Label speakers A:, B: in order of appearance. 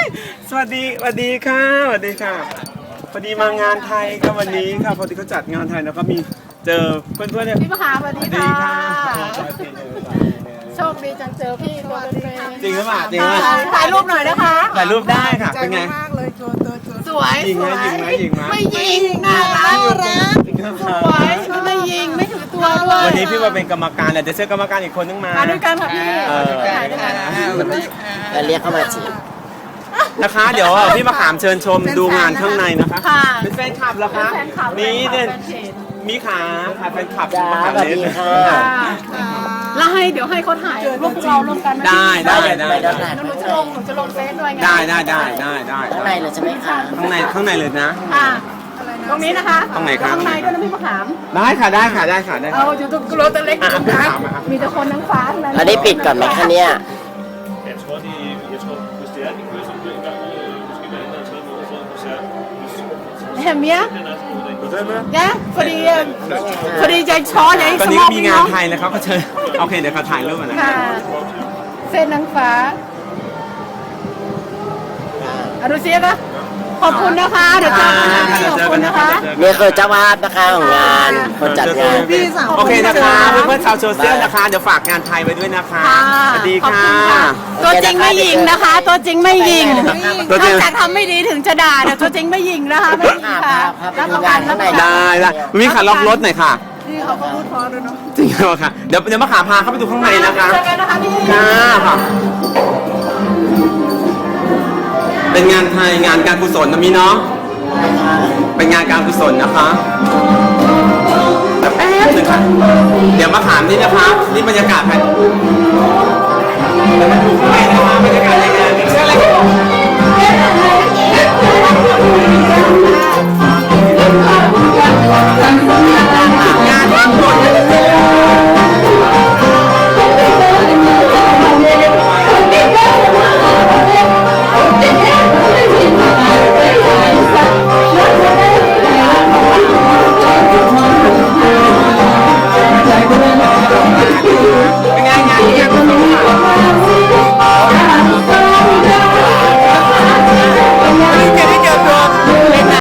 A: สวัสดีค่ะสวัสดีค่ะพอดีมางานไทยครับวันนี้ค่ะพอดีเขาจัดงานไทยแล้วก็มีเจอเพื่อนๆเนี่ย
B: พี่มหาสวัสดี
A: ดี
B: ค่ะ
A: ค่ะ
B: โชคดีจังเจอพี่ตัวเป็น
A: จริงหรือเปล่าจริงไหม
B: ถ่ายรูปหน่อยนะคะ
A: ถ่ายรูปได้ค่ะเป็นไง
C: มากเลยโจตัว
B: สวย
A: ยิง
B: ส
A: ไหม
B: วย
A: ยิงไหมยิงไหม
B: ไม่ยิงน่ารัก
A: จริงหรือเป
B: ส
A: ล่า
B: วยไม่ยิงไม่ถือตัวด้วย
A: วันนี้พี่มาเป็นกรรมการแต่จะเชิญกรรมการอีกคนนึงมา
B: มาด้วยกันค่ะพี่ ถ่ายด้วยกัน
D: แล้วเรียกเข้ามาจีบ
A: นะคะเดี๋ยวพี่มาขามเชิญชมดูงานข้างในนะคะ
B: ค่ะ
A: เป็นแฟนคลับเหรอคะ
B: แฟนคลับ
A: นี่เนี่ย
B: แฟนเพจ
A: มีขาแฟนคลับ
D: จ้า
A: มาขาม
D: สวัส
A: เล่น
D: ดีค่ะ
B: แล้วให้เดี๋ยวให้เขาถ่ายรูปเราร่วมกัน
A: ได้
B: หนูจะลงเฟซด้วยไง
A: ได้
D: ข้างในเลยใช่ไหมคะ
A: ข้างในเลยนะ
B: ค่ะตรงนี้นะคะ
A: ตรงไหนครับ
B: ข้างในด้วยนะพี่มะขาม
A: ได้ค่ะได้ค่ะได้ค่ะได้
B: เอา
A: ค่ะ
B: อยู่ตรงโรตเล็กอยู่ตรงกลางมีแต่คนทั้งฟ้าทั้งนั้น
D: แล้วได้ปิดก่อนไหมคะเนี่ย
E: Jeg tror, hvis det er, de kører sådan en gang, måske hver anden eller tredje måned, så er en koncert. Hvis
B: เห็นไหมย
E: den er sådan noget,
B: เนี่ยพอดีใจช้อนใหญ่
A: ตอน
B: ส
A: นี้
B: มอ
A: ก็
B: ง
A: มีงานไทยแล้วเขาก็เชิญโอเคเดี๋ยวเขาถ่ายรูปมานะ
B: ค่ะเส้นนางฟ้าอรุณเสียก็ขอบคุณนะคะเดี๋ยวเจอกันนะขอบคุณนะคะ
D: เนี่ยคือเจ้าภาพนะคะของงานคนจัดงาน
C: พี่สาว
A: โอเคนะคะเพื่อนๆชาวโซเชียลนะคะเดี๋ยวฝากงานไทยไว้ด้วยนะคะ
B: ค่ะ
A: สวัสดี
B: ขอบ
A: ค่ะ
B: ณค่ะตัวจริงไม่ยิงนะคะ ตัวจริงไม่ยิง
A: ตัวจริง
B: นอกจากทำไม่ดีถึงจะด่าแต่ตัวจริงไม่ยิงนะคะไม่ยิงค่ะรับประกันรับประกัน
A: ได้มีขาล็อกรถหน่อยค่ะ
C: พี่เขาก็พูดเพอด้วยเนาะ
A: จริงเหรอค่ะเดี๋ยวมาขาพาเข้าไปดูข้างในนะคะ
B: เจอกันนะคะพี่
A: ค่ะเป็นงานไทยงานการกุศลนะมีเนาะเป็นงานการกุศลนะคะแป๊บหนึงค่ะเดี๋ยวมาถามนี่นะคะนี่บรรยากาศภายเดี๋ยวมาดูข้างในนะคะ